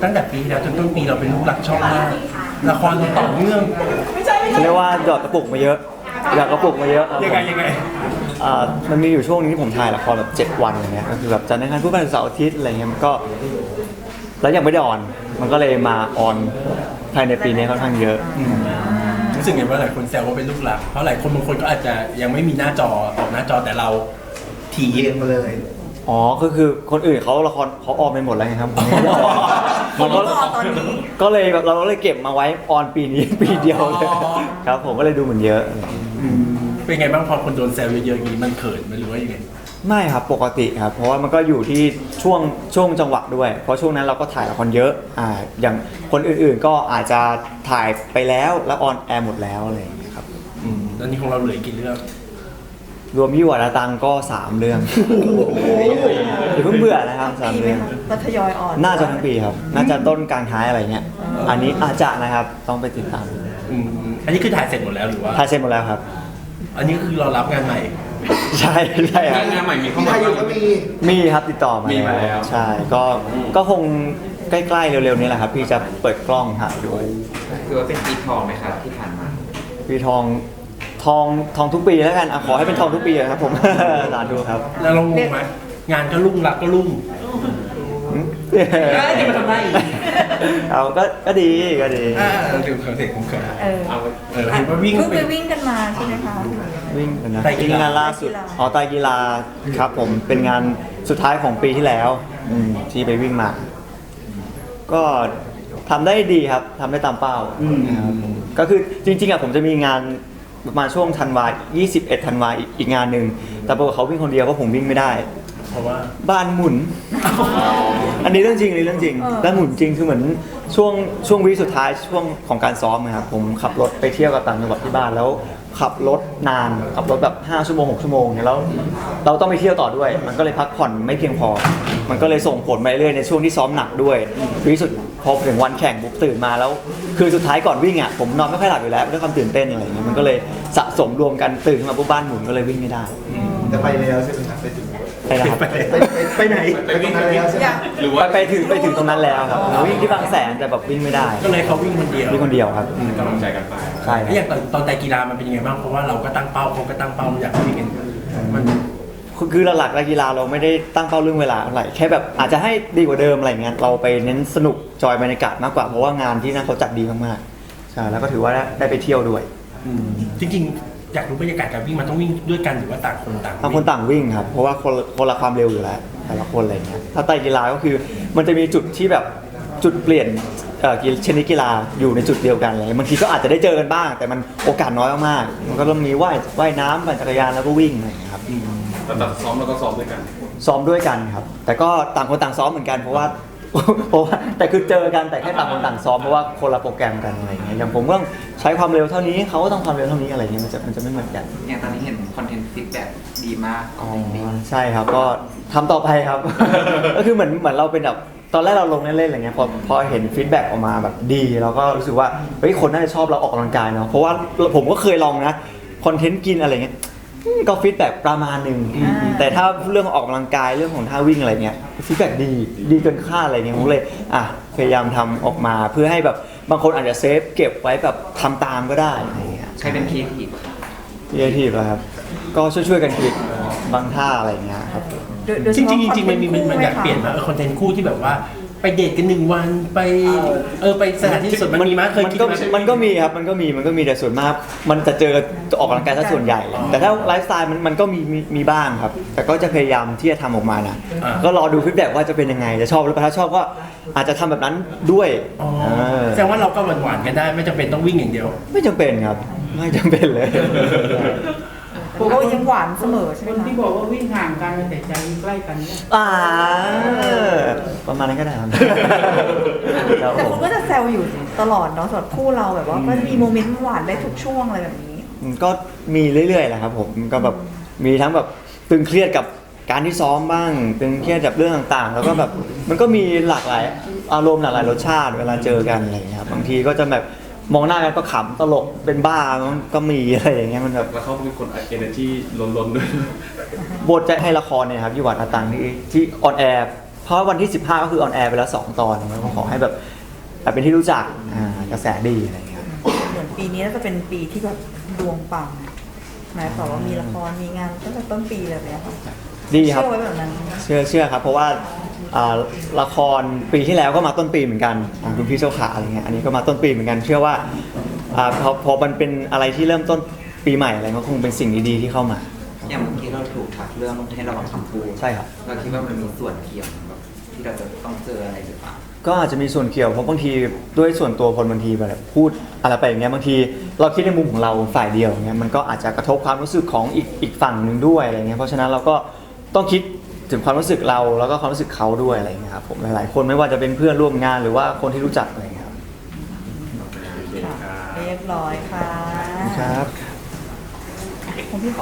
ตั้งแต่ปีที่แล้วจนต้นปีเราเป็นลูกหลักช่องมากละครเราต่อเนื่องเรียกว่าหยอดกระปุกมาเยอะหยอดกระปุกมาเยอะครับยังไงมันมีอยู่ช่วงนึงที่ผมถ่ายละครแบบ7 วันอย่างเงี้ยก็คือแบบจันทร์อังคารพุธพฤหัสเสาร์อาทิตย์อะไรเงี้ยมันก็แล้วยังไม่ได้ออนมันก็เลยมาออนภายในปีนี้ค่อนข้างเยอะรู้สึกไงว่าหลายคนแซวว่าเป็นลูกหลักเพราะหลายคนบางคนก็อาจจะยังไม่มีหน้าจอออกหน้าจอแต่เราถี่เรียนมาเลยอ๋อก็คือคนอื่นเขาละครเขาออนไปหมดแล้วไงครับผมยังไม่ได้ออนมันก็ตอนนี้ก็เลยแบบเราเลยเก็บมาไว้ออนปีนี้ปีเดียวเลยครับผมก็เลยดูเหมือนเยอะเป็นไงบ้างพอคนโดนแซวเยอะๆอย่างนี้มันเขินไหมหรือว่ายังไงไม่ครับปกติครับเพราะว่ามันก็อยู่ที่ช่วงจังหวะด้วยเพราะช่วงนั้นเราก็ถ่ายละครเยอะอย่างคนอื่นๆก็อาจจะถ่ายไปแล้วออนแอร์หมดแล้วอะไรอย่างเงี้ยครับแล้วนี่ของเราเหลือกี่เรื่องรวมยี่หวาดาตังก็3 เรื่องอย่าเพิ่งเบื่อนะครับ3 เรื่องก็ทยอยอ่อนน่าจะทั้งปีครับน่าจะต้นกลางท้ายอะไรเงี้ยอันนี้อาจจะนะครับต้องไปติดตามอันนี้คือถ่ายเสร็จหมดแล้วหรือว่าถ่ายเสร็จหมดแล้วครับอันนี้คือเรารับงานใหม่ใช่ครับงานใหม่มีเข้าที่ไทมายอยู่ก็มีมีครับติดต่อมามีมาแล้วใช่ก็คงใกล้ๆเร็วๆนี้แหละครับพี่จะเปิดกล้องถ่ายด้วยคือว่าเป็นปีทองไหมครับที่ผ่านมาปีทองทุกปีแล้วกันขอให้เป็นทองทุกปีครับผม สาธุครับแล้วเรางงไหมงานก็รุ่งรักก็รุ่ง จะมาทำได้อีกเอาก็ดีก็ดีเราดูคอนเทนต์ผมเขินเออเห็นว่าวิ่งเพิ่งไปไปวิ่งกันมาใช่ไหมคะวิ่งกันนะไตรกีฬางานล่าสุดไตรกีฬาครับผมเป็นงานสุดท้ายของปีที่แล้วที่ไปวิ่งมา ก็ทำได้ดีครับทำได้ตามเป้านะครับก็คือจริงๆผมจะมีงานประมาณช่วงธันวา21 ธันวาอีกงานหนึ่งแต่ปรากฏเขาวิ่งคนเดียวเพราะผมวิ่งไม่ได้เพราะว่าบ้านหมุน อันนี้เรื่องจริงอันนี้เรื่องจริงบ้านหมุนจริงคือเหมือนช่วงวีคสุดท้ายช่วงของการซ้อมนะครับผมขับรถไปเที่ยวกับต่างจังหวัดที่บ้านแล้วขับรถนานขับรถแบบ5 ชั่วโมง6 ชั่วโมงเนี่ยแล้วเราต้องไปเที่ยวต่อด้วย มันก็เลยพักผ่อนไม่เพียงพอ มันก็เลยส่งผลไปเรื่อยในช่วงที่ซ้อมหนักด้วยวีคสุดพอถึงวันแข่งปุ๊บตื่นมาแล้ว คือสุดท้ายก่อนวิ่งผมนอนไม่ค่อยหลับอยู่แล้วด้วยความตื่นเต้นอะไรอย่างเงี้ยมันก็เลยสะสมรวมกันตื่นขึ้นมาปุ๊บบ้านหมุนก็เลยวิ่งไม่ได้แต่ไปแล้วใช่ไหมครับไปถึงไปนะครับไปไหนไปตรงนั้นแล้วใช่ไหมหรือว่าไปถึงตรงนั้นแล้วครับวิ่งที่บางแสนแต่แบบวิ่งไม่ได้ก็เลยเขาวิ่งคนเดียววิ่งคนเดียวครับกำลังใจกันไปใช่คแล้วอรับย่างตอนไตรกีฬามันเป็นยังไงบ้างเพราะว่าเราก็ตั้งเป้าเขาก็ตั้งเป้าอยากวิ่งกันมันคือหลักๆนักกีฬาเราไม่ได้ตั้งเป้าเรื่องเวลาอะไรแค่แบบอาจจะให้ดีกว่าเดิมอะไรเงี้ยเราไปเน้นสนุกจอยบรรยากาศมากกว่าเพราะว่างานที่นั่นเขาจัดดีมากๆใช่แล้วก็ถือว่าได้ไปเที่ยวด้วยจริงๆอยากรู้บรรยากาศการวิ่งมันต้องวิ่งด้วยกันหรือว่าต่างคนต่างต่างคนต่างวิ่งครับเพราะว่าคนละความเร็วอยู่แล้วแต่ละคนอะไรเงี้ยถ้าไตรกีฬาก็คือมันจะมีจุดที่แบบจุดเปลี่ยนชนิดกีฬาอยู่ในจุดเดียวกันเลยบางทีก็อาจจะได้เจอกันบ้าง แต่มันโอกาสน้อยมากๆมันก็ต้องมีว่ายน้ำปั่นจักรยานแล้วก็วิ่งอะไรอย่างเงี้ยครับแต่ซ้อมแล้วก็ซ้อมด้วยกันซ้อมด้วยกันครับ แต่ก็ต่างคนต่างซ้อมเหมือนกันเพราะว่า แต่คือเจอกันแต่แค่ต่างคนต่างซ้อมเพราะว่าคนละโปรแกรมกันอะไรอย่างเงี้ยอย่างผมก็ต้องใช้ความเร็วเท่านี้เขาก็ต้องความเร็วเท่านี้อะไรเงี้ยมันจะไม่เหมือนกันอย่างตอนนี้เห็นคอนเทนต์ฟีดแบ็กดีมากอ๋อใช่ครับก็ทำต่อไปครับ ก็คือเหมือนเราเป็นแบบตอนแรกเราลงเล่นๆอะไรเงี้ยพอเห็นฟีดแบ็กออกมาแบบดีเราก็รู้สึกว่าเฮ้ยคนน่าจะชอบเราออกกำลังกายเนาะเพราะว่าผมก็เคยลองนะคอนเทนต์กินอะไรเงี้ยก็ฟีดแบ็กประมาณหนึ่งแต่ถ้าเรื่องออกกำลังกายเรื่องของท่าวิ่งอะไรเงี้ยฟีดแบ็กดีเกินคาดอะไรเงี้ยผมเลยพยายามทำออกมาเพื่อให้แบบบางคนอาจจะเซฟเก็บไว้แบบทำตามก็ได้อะไรเงี้ยใครเป็นครีเอทีฟครีเอทีฟครับก็ช่วยกันคิดบางท่าอะไรเงี้ยครับจริงๆมันอยากเปลี่ยนมาคอนเทนต์คู่ที่แบบว่าไปเดทกัน1 วันไปไปสถานที่สุดมันมีมั้ยเคยคิดมั้ยมันก็มีครับมันก็มีแต่ส่วนมากมันจะเจอออกกำลังกายซะส่วนใหญ่ แต่ถ้าไลฟ์สไตล์มันก็มีบ้างครับ แต่ก็จะพยายามที่จะทำออกมานะก็รอดูฟีดแบ็กว่าจะเป็นยังไงจะชอบหรือเปล่าถ้าชอบก็อาจจะทำแบบนั้นด้วยแสดงว่าเราก็หวานๆกันได้ไม่จำเป็นต้องวิ่งอย่างเดียวไม่จำเป็นครับไม่จำเป็นเลยก็ยังหวานเสมอใช่ไหคมนคะที่บอกว่าวิ่งห่างกันแต่ใจใกล้กันเนี่ยประมาณนั้นก็ได้ครับแต่คุณก็จะแซวอยู่ตลอดเนาะสำหรับคู่เราแบบว่าก็จะมีโมเมนต์หวานได้ทุกช่วงอะไรแบบนี้ก็มีเรื่อยๆแหละครับผมก็แบบมีทั้งแบบตึงเครียดกับการที่ซ้อมบ้างตึงเครียดกับเรื่องต่างๆ แล้วก็แบบมันก็มีหลากหลายอารมณ์หลากหลายรสชาติเวลาเจอกันอะไรอย่างเงี้ยครับบางทีก็จะแบบมองหน้ากันก็ขำตลกเป็นบ้าก็มีอะไรอย่างเงี้ยมันแบบแล้วเขาเป็นคนเอเนอร์จีล้นๆด้วยบทจะให้ละครเนี่ยครับยี่หวัดอาตังที่ออนแอร์เพราะวันที่ 15 ก็คือออนแอร์ไปแล้ว 2 ตอนก็ขอให้แบบเป็นที่รู้จักกระแสดีอะไรอย่างเงี้ยเหมือนปีนี้น่าจะเป็นปีที่แบบดวงปังนะแต่ว่ามีละครมีงานตั้งแต่ต้นปีเลยเนี่ยค่ะดีครับเชื่อไว้แบบนั้นเชื่อครับเพราะว่าละครปีที่แล้วก็มาต้นปีเหมือนกันของคุณพี่เจ้าขาอะไรเงี้ยอันนี้ก็มาต้นปีเหมือนกันเชื่อว่าพอมันเป็นอะไรที่เริ่มต้นปีใหม่อะไรก็คงเป็นสิ่งดีๆที่เข้ามาอย่างเมื่อกี้เราถูกทักเรื่องให้ระวังคำพูดใช่ครับเราคิดว่ามันมีส่วนเกี่ยวกับที่เราจะต้องเจออะไรหรือเปล่าก็อาจจะมีส่วนเกี่ยวเพราะบางทีด้วยส่วนตัวคนบางทีแบบพูดอะไรไปอย่างเงี้ยบางทีเราคิดในมุมของเราฝ่ายเดียวอย่างเงี้ยมันก็อาจจะกระทบความรู้สึกของอีกฝั่งหนึ่งด้วยอะไรเงี้ยเพราะฉะนั้นเราก็ต้องคิดถึงความรู้สึกเราแล้วก็ความรู้สึกเขาด้วยอะไรเงี้ยครับผมหลายๆคนไม่ว่าจะเป็นเพื่อนร่วมงานหรือว่าคนที่รู้จักอะไรเงี้ยครับค่ะเรียบร้อยค่ะครับคุณพี่